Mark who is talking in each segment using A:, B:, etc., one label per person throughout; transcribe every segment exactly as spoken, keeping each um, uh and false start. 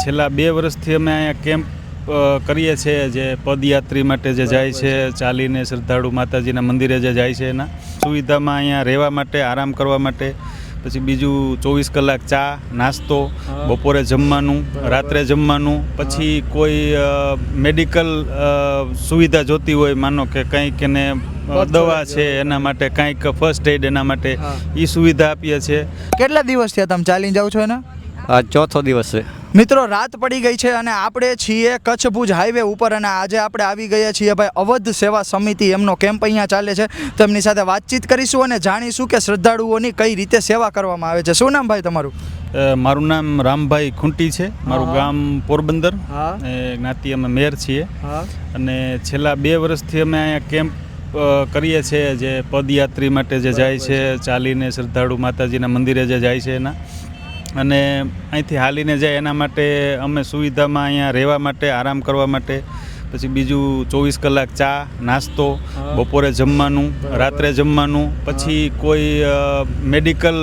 A: છેલ્લા બે વર્ષથી અમે અહીંયા કેમ્પ કરીએ છીએ જે પદયાત્રી માટે જે જાય છે ચાલીને શ્રદ્ધાળુ માતાજીના મંદિરે જે જાય છે એના સુવિધામાં અહીંયા રહેવા માટે આરામ કરવા માટે પછી બીજું ચોવીસ કલાક ચા નાસ્તો બપોરે જમવાનું રાત્રે જમવાનું પછી કોઈ મેડિકલ સુવિધા જોતી હોય માનો કે કંઈક એને દવા છે એના માટે કંઈક ફર્સ્ટ એડ એના માટે એ સુવિધા આપીએ છીએ.
B: કેટલા દિવસ થયા તમે ચાલીને જાઓ છો એના?
C: આ ચોથો દિવસ છે
B: મિત્રો. રાત પડી ગઈ છે અને આપણે છીએ કચ્છ ભુજ હાઈવે ઉપર અને આજે આપણે આવી ગયા છીએ ભાઈ અવધ સેવા સમિતિ એમનો કેમ્પ અહીંયા ચાલે છે. તો એમની સાથે વાતચીત કરીશું અને જાણીશું કે શ્રદ્ધાળુઓની કઈ રીતે સેવા કરવામાં આવે છે. શું નામ ભાઈ તમારું?
A: મારું નામ રામભાઈ ખૂંટી છે. મારું ગામ પોરબંદર, જ્ઞાતિ અમે મેર છીએ અને છેલ્લા બે વર્ષથી અમે અહીંયા કેમ્પ કરીએ છીએ જે પદયાત્રી માટે જે જાય છે ચાલીને શ્રદ્ધાળુ માતાજીના મંદિરે જે જાય છે એના અને અહીંથી હાલીને જાય એના માટે અમે સુવિધામાં અહીંયા રહેવા માટે આરામ કરવા માટે પછી બીજું ચોવીસ કલાક ચા નાસ્તો બપોરે જમવાનું રાત્રે જમવાનું પછી કોઈ મેડિકલ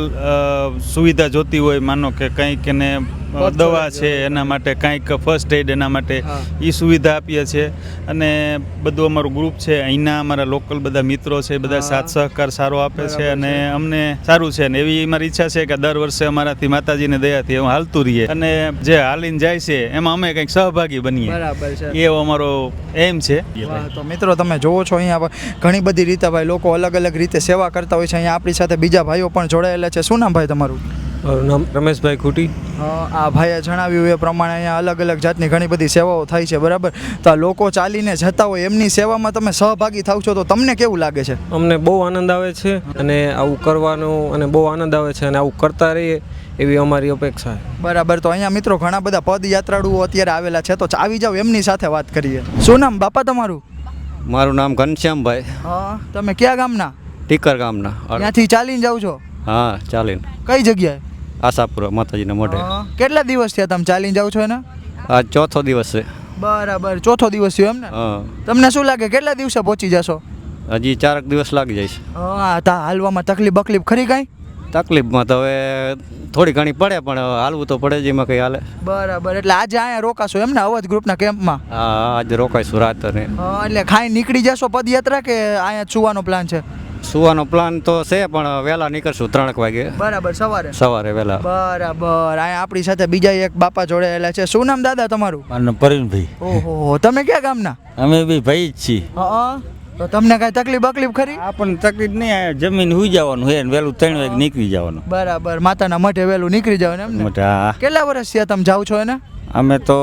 A: સુવિધા જોતી હોય માનો કે કંઈક એને દવા છે એના માટે કંઈક ફર્સ્ટ એડ એના માટે એ સુવિધા આપીએ છીએ. અને બધું અમારું ગ્રુપ છે અહીંના અમારા લોકલ બધા મિત્રો છે બધા સાથ સહકાર સારો આપે છે અને અમને સારું છે ને એવી અમારી ઈચ્છા છે કે દર વર્ષે અમારાથી માતાજીને દયાથી એવું હાલતું રહીએ અને જે હાલીને જાય છે એમાં અમે કંઈક સહભાગી બનીએ.
B: બરાબર છે,
A: એવો અમારો એમ છે.
B: તો મિત્રો તમે જોવો છો અહીંયા ઘણી બધી રીતે ભાઈ લોકો અલગ અલગ રીતે સેવા કરતા હોય છે. અહીંયા આપણી સાથે બીજા ભાઈઓ પણ જોડાયેલા છે. શું નામ ભાઈ તમારું?
D: મારું નામ રમેશભાઈ ખૂટી.
B: આ ભાઈએ જણાવ્યું એ પ્રમાણે અહીંયા અલગ અલગ જાતની ઘણી બધી સેવાઓ થાય છે. બરાબર. તો આ લોકો ચાલીને જતા હોય એમની સેવામાં તમે સહભાગી થાવ છો તો તમને કેવું લાગે છે?
D: અમને બહુ આનંદ આવે છે અને આવું કરવાનું અને બહુ આનંદ આવે છે અને આવું કરતા રહીએ એવી અમારી અપેક્ષા છે.
B: બરાબર. તો અહીંયા મિત્રો ઘણા બધા પદયાત્રાળુઓ અત્યારે આવેલા છે તો આવી જાવ એમની સાથે વાત કરીએ. શું નામ બાપા તમારું?
C: મારું નામ ઘનશ્યામભાઈ.
B: હા. તમે કયા ગામના?
C: ટીકર ગામના.
B: ત્યાંથી ચાલીને જાવ છો?
C: હા ચાલીને.
B: કઈ જગ્યાએ?
C: આશાપુરા માતાજીના મોઢે.
B: કેટલા દિવસ થયા તમે ચાલીને જાવ છો એના?
C: આ ચોથો દિવસ છે.
B: બરાબર. ચોથો દિવસ થયો એમ ને?
C: હા.
B: તમને શું લાગે કેટલા દિવસે પહોંચી જશો?
C: હજી ચારક દિવસ લાગી જાય છે.
B: હા. તા હાલવામાં તકલીફ બકલીફ ખરી કાંઈ?
C: તકલીફમાં તો હવે થોડી ઘણી પડે પણ હાલવું તો પડે જ એમાં કંઈ હાલે.
B: બરાબર. એટલે આજે અહીંયા રોકાશો એમ ને અવધ ગ્રુપના કેમ્પમાં?
C: હા આજે રોકાઈશું રાત. અને
B: એટલે ખાઈ નીકળી જશો પદયાત્રા કે અહીંયા સુવાનો પ્લાન છે?
C: સુવાનો પ્લાન તો છે પણ વહેલા નીકળશું ત્રણક વાગે.
B: બરાબર. સવારે?
C: સવારે વહેલા.
B: બરાબર. અહીંયા આપણી સાથે બીજા એક બાપા જોડાયેલા છે. શું નામ દાદા તમારું?
E: મારું પરવીનભાઈ.
B: ઓહો. તમે ક્યાં ગામના?
E: અમે બી ભાઈ જ છીએ.
B: હા. તો તમને કાંઈ તકલીફ બકલીફ ખરી?
E: આપણને તકલીફ નહીં, જમીન હુઈ જવાનું હે વહેલું ત્રણ વાગે નીકળી જવાનું.
B: બરાબર. માતાના મઠે વહેલું નીકળી જવાનું એમ ને?
E: મોટા
B: કેટલા વર્ષ થયા તમે જાઓ છો એને?
E: અમે તો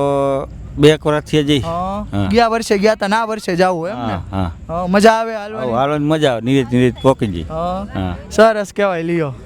E: બે એક વર્ષથી જઈ.
B: ગયા વર્ષે ગયા તા ના વર્ષે જાવું એમ ને?
E: હા
B: મજા આવે હાલવાની?
E: હાલવાની મજા આવે. નીરજ નીરજ પોકી જઈ.
B: સરસ કહેવાય. લ્યો.